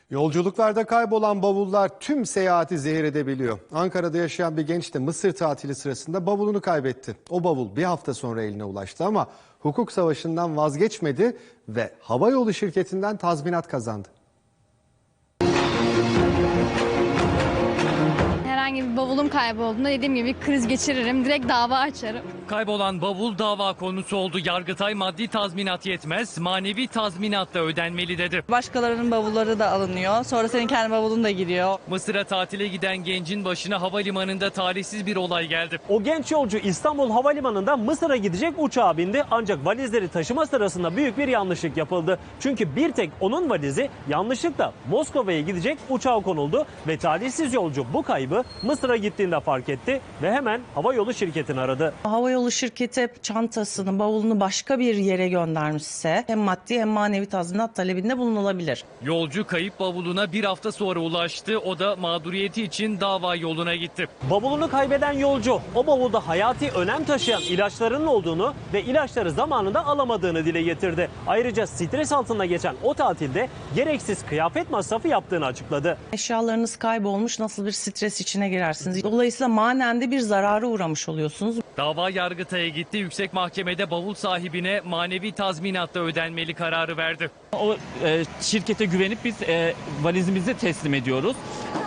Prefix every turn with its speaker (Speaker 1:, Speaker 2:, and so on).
Speaker 1: Yolculuklarda kaybolan bavullar tüm seyahati zehir edebiliyor. Ankara'da yaşayan bir genç de Mısır tatili sırasında bavulunu kaybetti. O bavul bir hafta sonra eline ulaştı ama hukuk savaşından vazgeçmedi ve havayolu şirketinden tazminat kazandı.
Speaker 2: Herhangi bir bavulum kaybolduğunda dediğim gibi kriz geçiririm, direkt dava açarım.
Speaker 3: Kaybolan bavul dava konusu oldu. Yargıtay maddi tazminat yetmez, manevi tazminat da ödenmeli dedi.
Speaker 4: Başkalarının bavulları da alınıyor. Sonra senin kendi bavulun da giriyor.
Speaker 3: Mısır'a tatile giden gencin başına havalimanında talihsiz bir olay geldi.
Speaker 5: O genç yolcu İstanbul Havalimanı'nda Mısır'a gidecek uçağa bindi ancak valizleri taşıma sırasında büyük bir yanlışlık yapıldı. Çünkü bir tek onun valizi yanlışlıkla Moskova'ya gidecek uçağa konuldu ve talihsiz yolcu bu kaybı Mısır'a gittiğinde fark etti ve hemen havayolu şirketini aradı.
Speaker 4: Havayolu şirketi çantasını, bavulunu başka bir yere göndermişse hem maddi hem manevi tazminat talebinde bulunulabilir.
Speaker 3: Yolcu kayıp bavuluna bir hafta sonra ulaştı. O da mağduriyeti için dava yoluna gitti.
Speaker 5: Bavulunu kaybeden yolcu o bavulda hayati önem taşıyan ilaçlarının olduğunu ve ilaçları zamanında alamadığını dile getirdi. Ayrıca stres altında geçen o tatilde gereksiz kıyafet masrafı yaptığını açıkladı.
Speaker 4: Eşyalarınız kaybolmuş, nasıl bir stres içine girersiniz. Dolayısıyla manen de bir zarara uğramış oluyorsunuz.
Speaker 3: Dava Yargıtay'a gitti. Yüksek Mahkemede bavul sahibine manevi tazminatla ödenmeli kararı verdi.
Speaker 6: O şirkete güvenip biz valizimizi teslim ediyoruz.